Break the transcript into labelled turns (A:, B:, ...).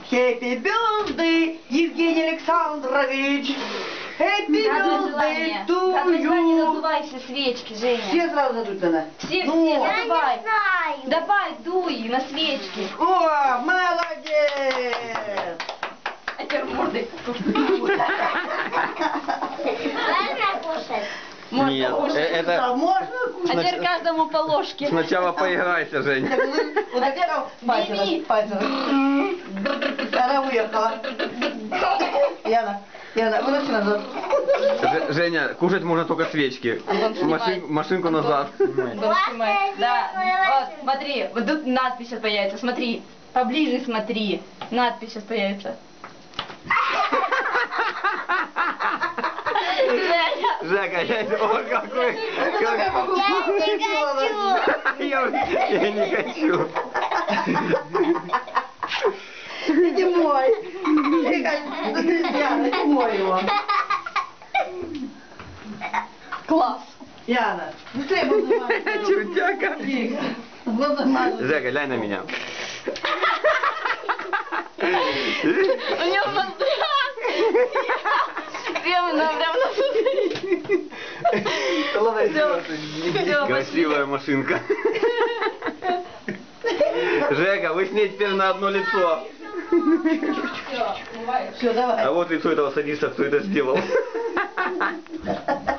A: Happy birthday, Евгений Александрович. Happy birthday to
B: не
A: you.
B: задувай все свечки, Женя.
A: Все сразу задуть надо.
B: Все,
A: Ну.
B: все,
C: Я
B: задувай.
C: не знаю.
B: Давай, дуй на свечки.
A: О, молодец.
B: А теперь мордой покушай.
C: Можно кушать?
B: Можно
D: Нет,
B: покушать.
A: А
D: это
A: можно
B: А
A: кушать?
B: теперь каждому по ложке.
D: сначала поиграйся, Жень.
A: Вот так стал,
B: бери.
A: пальцем. Она уехала. Яна, выноси назад.
D: Женя, кушать можно только свечки.
B: снимай.
D: Машинку назад.
B: Антон, снимай. Да, вот, смотри, вот тут надпись сейчас появится, смотри. Поближе смотри. Надпись сейчас появится. Женя.
D: Жека, о, какой... Я не хочу.
A: Иди мой. Яна, иди мой его.
B: Класс.
A: Яна, быстрее буду мазать.
D: Чудяка.
A: Буду мазать.
D: Жека, глянь на меня.
B: У него прямо на
D: Красивая машинка. Жека, вы с ней теперь на одно лицо.
A: Все, давай.
D: А вот лицо этого садиста, кто это сделал.